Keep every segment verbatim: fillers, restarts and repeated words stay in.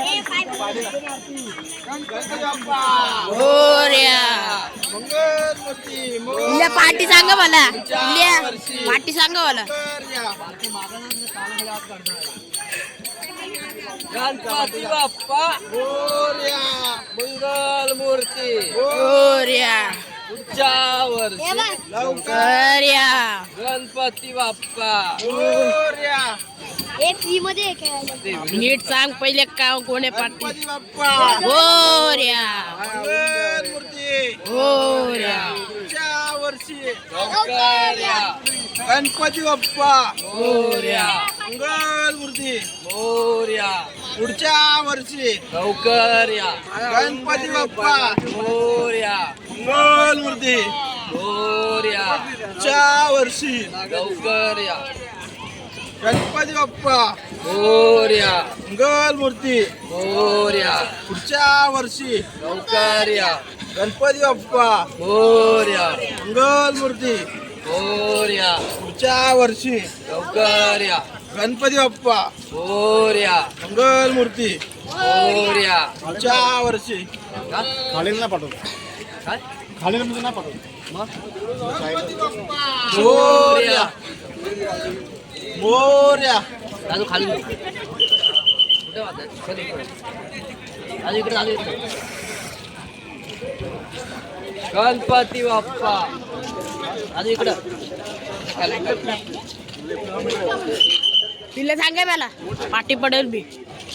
इल्या पार्टी सांगा मला. इल्या पार्टी सांगा मला. गणपती बाप्पा मोरया. मंगल मूर्ती मोरया. पुढच्या वर्षी लवकर या. गणपती बाप्पा मोरया. एक फ्री मध्ये नीट सांग पहिले का कोणी पार्टी. गणपती बाप्पा मोरया. मंगल मूर्ती मोरया. पुढच्या वर्षी लवकर या. गणपती बाप्पा मोरया. मंगल मूर्ती मोरया. पुढच्या वर्षी लवकर या. गणपती बाप्पा मोरया. मंगल मूर्ती मोरया. पुढच्या वर्षी लवकर या. गणपती बाप्पा मोरया. मंगल मूर्ती मोरया. पुढच्या वर्षी लवकर या. गणपती बाप्पा मोरया. मंगल मूर्ती मोरया. पुढच्या वर्षी लवकर या. गणपती बाप्पा मोरया. मंगल मूर्ती मोरया. पुढच्या वर्षी का? खालीला पाठवतो काय? खालीला म्हणजे ना पाठवतो मग? मोरया मोरया. दादू खाली नको. कुठे वाजताय? खाली नको. दादू इकडे दादू इकडे. गणपती बाप्पा दादू इकडं. खाली. तिला सांगा मला पार्टी पडेल बी.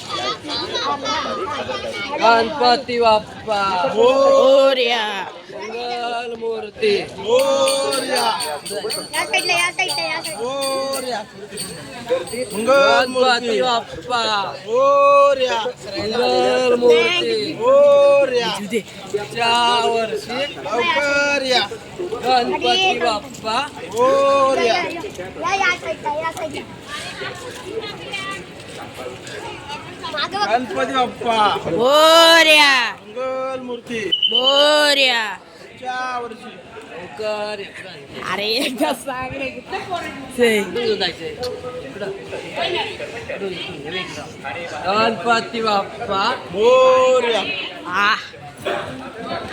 गणपती बाप्पा मोरया. मंगल मूर्ती मोरया या साईडला या साईडला या साईडला मोरया. मंगल मूर्ती गणपती बाप्पा मोरया मंगल मूर्ती मोरया. पुढच्या वर्षी लवकर या. गणपती बाप्पा मोरया. या या साईडला या साईडला मागं बघ. गणपती बाप्पा मोरया. मंगल मूर्ती मोरया. पुढच्या वर्षी लवकर इकडं. अरे एकदा सांग रे. इकडं जायचंय. इकडं. इकडून, इकडून. हे इकडं. गणपती बाप्पा मोरया. आ